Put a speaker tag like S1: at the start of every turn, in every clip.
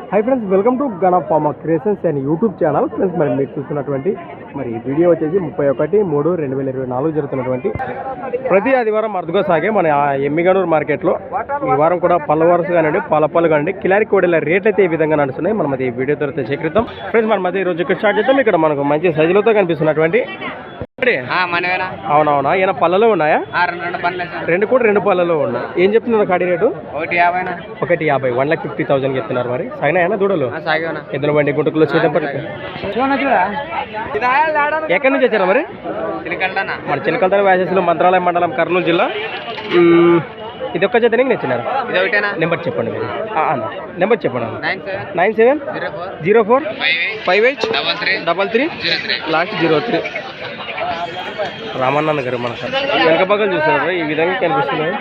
S1: High friends welcome to Gan pharma creations and YouTube channel friends మరి మీరు చూస్తున్నటువంటి మరి వీడియో వచ్చేసి 31/3/2024 జరుగుతున్నటువంటి ప్రతి ఆదివారం అరుదుగా సాగే మన ఎమ్మిగనూరు మార్కెట్లో ఈ వారం కూడా పళ్ళ వరుస కానివ్వండి పాలపళ్ళు కానివ్వండి కిలారి కోడెల రేట్లు అయితే ఈ విధంగా నడుస్తున్నాయి. మనం అది ఈ వీడియో ద్వారా సేకరిద్దాం ఫ్రెండ్స్. మనం అది ఈరోజు ఇక్కడ స్టార్ట్ చేద్దాం. ఇక్కడ మనకు మంచి సైజులతో కనిపిస్తున్నటువంటి అవునవునా ఈయన పళ్ళలో ఉన్నాయా? రెండు కూడా రెండు పళ్ళలో ఉన్నాయి. ఏం చెప్తున్నారు కాడి రేటు? 150 1,50,000 చెప్తున్నారు. మరి సాగినాయన దూడలు ఎద్దుల బండి గుంటకులు చేతపట్టి ఎక్కడి నుంచి వచ్చారా మరి? మన చిలకల్తాన వ్యాసెస్లో మంత్రాలయం మండలం కర్నూలు జిల్లా. ఇది ఒక్క చేత నచ్చినారు. నెంబర్ చెప్పండి మీరు. నెంబర్ చెప్పండి. 97045833 లాస్ట్ 03. రామన్న గారు మన వెనక పక్కన చూస్తున్నారు ఈ విధంగా కనిపిస్తున్నాయి.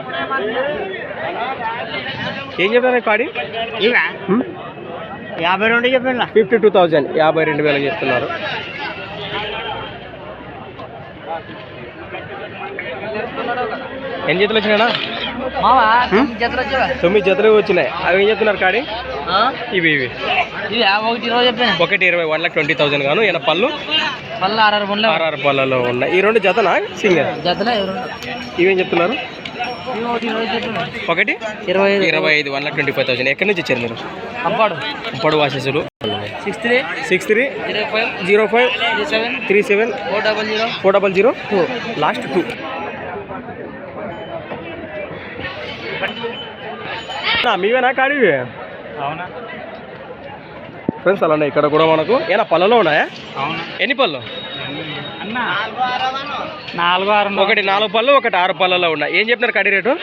S1: ఏం చెప్పారు కాడి?
S2: 52 చెప్పండి.
S1: 52,000 52,000 చెప్తున్నారు. ఎన్ని జతలు వచ్చినాయా? 9 జతలు వచ్చినాయి. అవి ఏం చెప్తున్నారు కాడి? ఇవి 1,20,000 1,20,000 గాను. ఈయన పళ్ళు 6 పళ్ళలో ఉన్నాయి. ఈ రెండు జతనా సింగల్ జతనా? ఇవేం చెప్తున్నారు? 1,25,000 1,25,000. ఎక్కడి నుంచి వచ్చారు మీరు? అంపాడు వాసెసులు. 630537374002 లాస్ట్ 2. మీవేనా కాడి?
S2: అవునా
S1: ఫ్రెండ్స్ అలానే ఇక్కడ కూడా మనకు ఏనా పళ్ళలో ఉన్నాయా? ఎన్ని పళ్ళు? 1 4 పళ్ళు 1 6 పళ్ళలో ఉన్నాయి. ఏం చెప్తున్నారు కడి రేటు?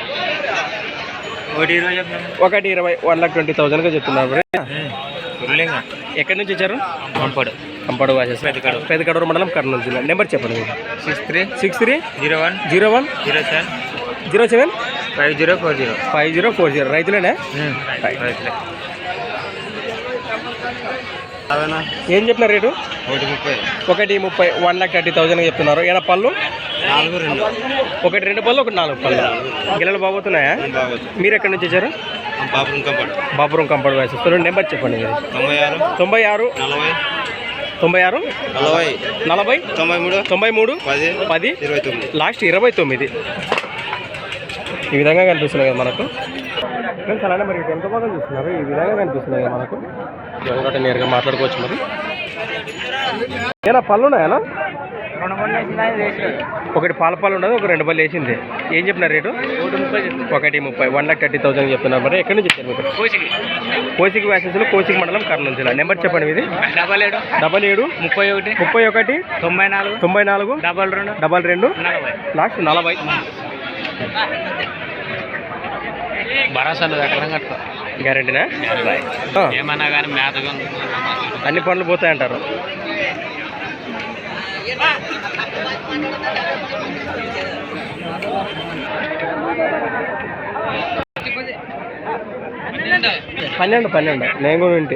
S1: 1,20,000 1,20,000గా చెప్తున్నారు. ఎక్కడి నుంచి వచ్చారు? అంపాడు వాసెస్ పెద్దకడూరు మండలం కర్నూలు జిల్లా. నెంబర్ చెప్పండి. 6301075040 రైతులేనా? ఏం చెప్పినారు రేటు? 1,30 1,30,000 చెప్తున్నారు. ఏనా పళ్ళు? 1 2 పళ్ళు 1 4 పళ్ళు. గిల్లలు బాగుతున్నాయా? మీరు ఎక్కడి నుంచి వచ్చారు? బాపురం కంపాడు వేసేస్తారు. నెంబర్ చెప్పండి. 96 40 93 10 లాస్ట్ 29. ఈ విధంగా కనిపిస్తున్నాయి కదా మనకు ఫ్రెండ్స్. అలానే మరి ఎంత బాగా చూస్తున్నారు ఈ విధంగా కనిపిస్తున్నాయి కదా మనకు. ఎవరికంటే నేరుగా మాట్లాడుకోవచ్చు. మరి ఏనా పళ్ళు ఉన్నాయా? 1 పాల పళ్ళు ఉండదు 1 2 పళ్ళు వేసింది. ఏం చెప్పినారు రేటు? 1,30 1,30,000 చెప్తున్నారు. మరి ఎక్కడి నుంచి వచ్చారు మీరు? కోసికి వ్యాసెస్లో కోసికి మండలం కర్నూలు జిల్లా. నెంబర్ చెప్పండి మీది. 77 31 94 22 లాస్ట్ 40.
S2: భరోసాలు
S1: గ్యారెంటీనా?
S2: ఏమన్నా కానీ మేతగా
S1: అన్ని పనులు పోతాయంటారు. పన్నెండు నేను కూడా వింటే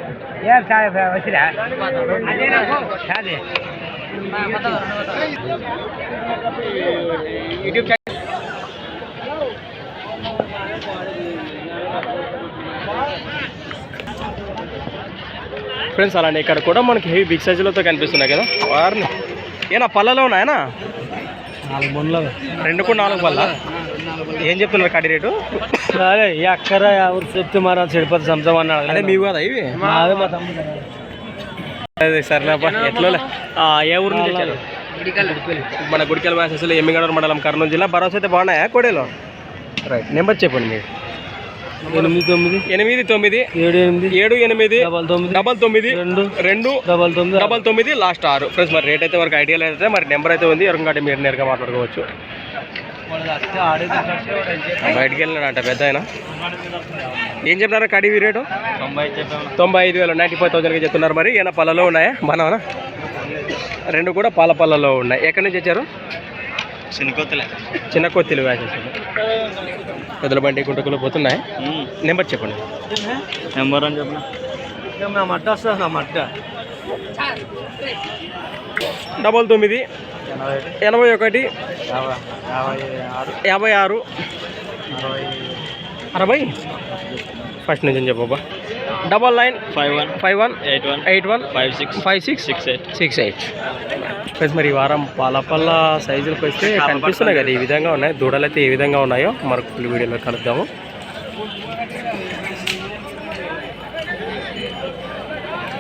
S1: యూట్యూబ్ ఫ్రెండ్స్. అలానే ఇక్కడ కూడా మనకి హెవీ బిగ్ సైజులతో కనిపిస్తున్నాయి కదా వారిని. ఏనా పళ్ళలో ఉన్నాయనా? 2 కూడా 4 పళ్ళ. ఏం చెప్తున్నారు కాడి రేటు?
S2: అదే అక్కర ఎవరు చెప్తే మరి చెడిపోతే సంసం అన్నాడు.
S1: అదే మీ కదా ఇవి? అదే సరేనాపా. ఎట్లా ఏ ఊరు నుంచి వచ్చారు? మన గుడికల్ వ్యాసెస్లో ఎమ్మిగనూరు మండలం కర్నూలు జిల్లా. భరోసా అయితే బాగున్నాయా కోడేలో? రైట్. నెంబర్ చెప్పండి మీరు. 89 లాస్ట్ 6 ఫ్రెండ్స్. మరి రేట్ అయితే వరకు ఐడియా అయితే మరి నెంబర్ అయితే ఉంది. ఎవరికంటే మీరు నేరుగా మాట్లాడుకోవచ్చు. బయటికి వెళ్ళినాడంట పెద్ద ఆయన. ఏం చెప్తున్నారు కడివి రేటు? 95,000 95,000 చెప్తున్నారు. మరి ఏమైనా పళ్ళలో ఉన్నాయా? మనవనా 2 కూడా పాల పళ్ళలో ఉన్నాయి. ఎక్కడి నుంచి వచ్చారు? చిన్న కొత్తిలు వ్యాసేసారు. పెద్దల బండి గుంటకులు పోతున్నాయి. నెంబర్ చెప్పండి.
S2: నెంబర్ అని చెప్పండి. మట్ట వస్తుంది మట్ట
S1: 99 81 56 60 ఫస్ట్ నుంచి చెప్పబ్బా. 99
S2: 51
S1: 51
S2: 81
S1: 81
S2: 56
S1: 56
S2: 68
S1: 68. ఫ్రెండ్స్ మరి ఈ వారం పాలపల్ల సైజులకు వస్తే కనిపిస్తున్నాయి కదా, ఈ విధంగా ఉన్నాయి. దూడలు అయితే ఏ విధంగా ఉన్నాయో మరొక ఫుల్ వీడియోలో కలుద్దాము.